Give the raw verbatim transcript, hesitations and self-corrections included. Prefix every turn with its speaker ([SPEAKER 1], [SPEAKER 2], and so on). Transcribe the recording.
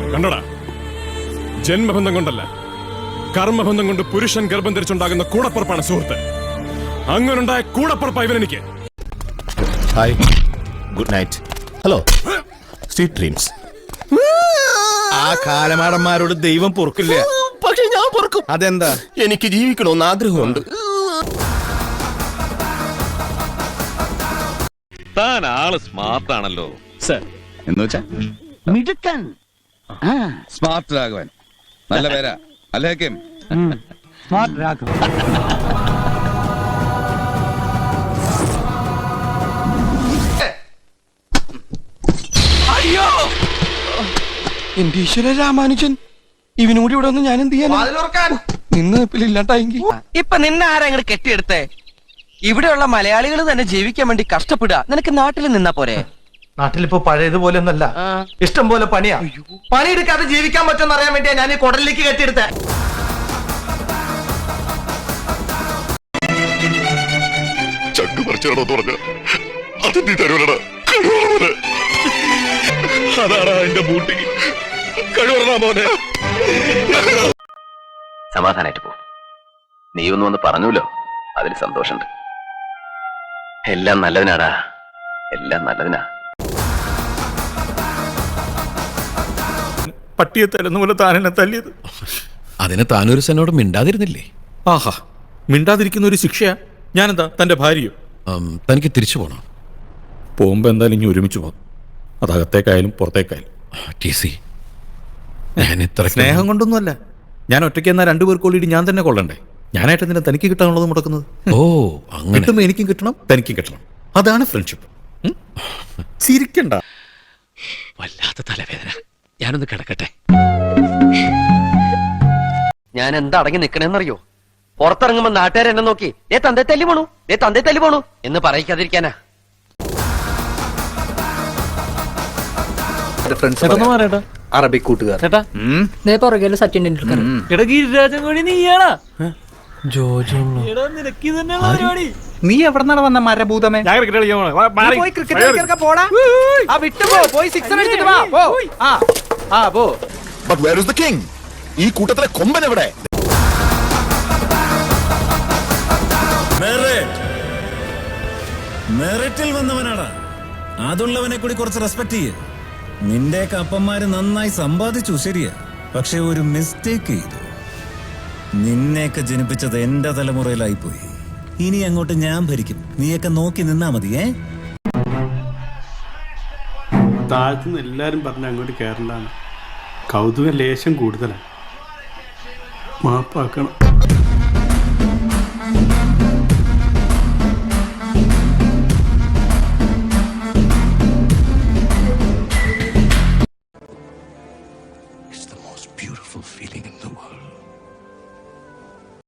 [SPEAKER 1] കണ്ടോടാ, ജന്മബന്ധം കൊണ്ടല്ല, കർമ്മബന്ധം കൊണ്ട് പുരുഷൻ ഗർഭം ധരിച്ചുണ്ടാകുന്ന കൂടപ്പുറപ്പാണ് സുഹൃത്ത്. അങ്ങനുണ്ടായ കൂടപ്പുറപ്പാ ഇവനെനിക്ക്.
[SPEAKER 2] Hi, good night. Hello, sweet dreams.
[SPEAKER 3] ആ കാലമാടന്മാരോട് ദൈവം പൊറുക്കില്ല.
[SPEAKER 2] പക്ഷെ ഞാൻ പൊറുക്കും.
[SPEAKER 3] അതെന്താ?
[SPEAKER 2] എനിക്ക് ജീവിക്കണമെന്ന് ആഗ്രഹമുണ്ട്.
[SPEAKER 4] താൻ ആള് സ്മാർട്ട് ആണല്ലോ
[SPEAKER 3] സർ. എന്ന് വെച്ചാ
[SPEAKER 5] മിടുക്കൻ,
[SPEAKER 3] സ്മാർട്ട് രാഘവൻ. നല്ല പേരാ അല്ലേ?
[SPEAKER 5] സ്മാർട്ട് രാഘവൻ.
[SPEAKER 6] അയ്യോ, എന്റെ ഈശ്വര രാമാനുജൻ, ഇവനൂടി ഇവിടെ ഒന്ന് ഞാൻ എന്ത് ചെയ്യാൻ? നിന്ന് ഇല്ലാണ്ടായെങ്കിൽ ഇപ്പൊ നിന്നെ ആരാ ഇങ്ങോട്ട് കെട്ടിയെടുത്തേ? ഇവിടെയുള്ള മലയാളികൾ തന്നെ ജീവിക്കാൻ വേണ്ടി കഷ്ടപ്പെടുക. നിനക്ക് നാട്ടിൽ നിന്നാ പോരെ?
[SPEAKER 7] നാട്ടിലിപ്പോ പഴയതുപോലെ ഒന്നല്ല, ഇഷ്ടം പോലെ പണിയാ. പണിയെടുക്കാതെ ജീവിക്കാൻ പറ്റുമെന്ന് അറിയാൻ വേണ്ടിയാ ഞാൻ ഈ കുടലിലേക്ക് കെട്ടിയെടുത്തേ.
[SPEAKER 2] ചക്ക് പറിച്ചാണോ പറഞ്ഞ അത് നീ തരുവലടാ. അതാടാ എന്റെ ബൂട്ടി. കഴിവറ മോനെ.
[SPEAKER 8] സമാധാനായിട്ട് പോ. നീ ഒന്ന് വന്ന് പറഞ്ഞല്ലോ, അതിൽ സന്തോഷമുണ്ട്. എല്ലാം നല്ലതിനാടാ, എല്ലാം നല്ലതിനാ.
[SPEAKER 9] പട്ടിയെ തരുന്ന പോലെ താനെന്നെ തല്ലിയത്.
[SPEAKER 2] അതിന് താനൊരു സനോട് മിണ്ടാതിരുന്നില്ലേ?
[SPEAKER 9] ആഹാ, മിണ്ടാതിരിക്കുന്ന ഒരു ശിക്ഷയാ. ഞാനെന്താ തന്റെ ഭാര്യയോ?
[SPEAKER 2] തനിക്ക് തിരിച്ചു പോകണം.
[SPEAKER 9] പോകുമ്പോ എന്തായാലും ഇനി ഒരുമിച്ച് പോകും. അതകത്തേക്കായാലും പുറത്തേക്കായാലും.
[SPEAKER 2] ടി സി, ഞാൻ ഇത്ര
[SPEAKER 9] സ്നേഹം കൊണ്ടൊന്നുമല്ല. ഞാൻ ഒറ്റയ്ക്ക് എന്നാൽ രണ്ടുപേർക്കോളിയിട്ട് ഞാൻ തന്നെ കൊള്ളണ്ടേ? ഞാനായിട്ട് എന്തിനാ തനിക്ക് കിട്ടാനുള്ളത് മുടക്കുന്നത്?
[SPEAKER 2] ഓ, അങ്ങനെ.
[SPEAKER 9] കിട്ടുമ്പോ എനിക്കും കിട്ടണം, തനിക്കും കിട്ടണം. അതാണ് ഫ്രണ്ട്ഷിപ്പ്. ചിരിക്കണ്ട.
[SPEAKER 2] വല്ലാത്ത തലവേദന. ഞാനൊന്ന് കിടക്കട്ടെ.
[SPEAKER 6] ഞാൻ എന്താ അടങ്ങി നിക്കണേന്നറിയോ? പുറത്തിറങ്ങുമ്പോ നാട്ടുകാർ എന്നെ നോക്കി ഏ തന്തേ തല്ലി പോണു, ഏ തന്തേ തല്ലി പോണു എന്ന് പറയിക്കാതിരിക്കാനാ.
[SPEAKER 7] അറബിക് കൂട്ടുകാർ.
[SPEAKER 5] സച്ചിൻ ടെണ്ടുൽക്കർ.
[SPEAKER 7] നീ എവിടെന്നാണ് വന്ന മരഭൂതമേ?
[SPEAKER 2] ഈ കൂട്ടത്തിലെ കൊമ്പൻ എവിടെ?
[SPEAKER 10] മെറിറ്റിൽ വന്നവനാടാ. അതുള്ളവനെ കൂടി കുറച്ച് റെസ്പെക്ട് ചെയ്യ്. നിന്റെയൊക്കെ അപ്പന്മാര് നന്നായി സമ്പാദിച്ചു, ശരിയാ. പക്ഷെ ഒരു മിസ്റ്റേക്ക് ചെയ്തു. നിന്നെയൊക്കെ ജനിപ്പിച്ചത് എന്റെ തലമുറയിലായിപ്പോയി. ഇനി അങ്ങോട്ട് ഞാൻ ഭരിക്കും. നീയൊക്കെ നോക്കി നിന്നാ മതി. ഏ
[SPEAKER 11] താഴത്തുനിന്ന് എല്ലാരും പറഞ്ഞ അങ്ങോട്ട് കയറണ്ടാണ്. കൗതുക ലേശം കൂടുതലാണ്. മാപ്പാക്കണം.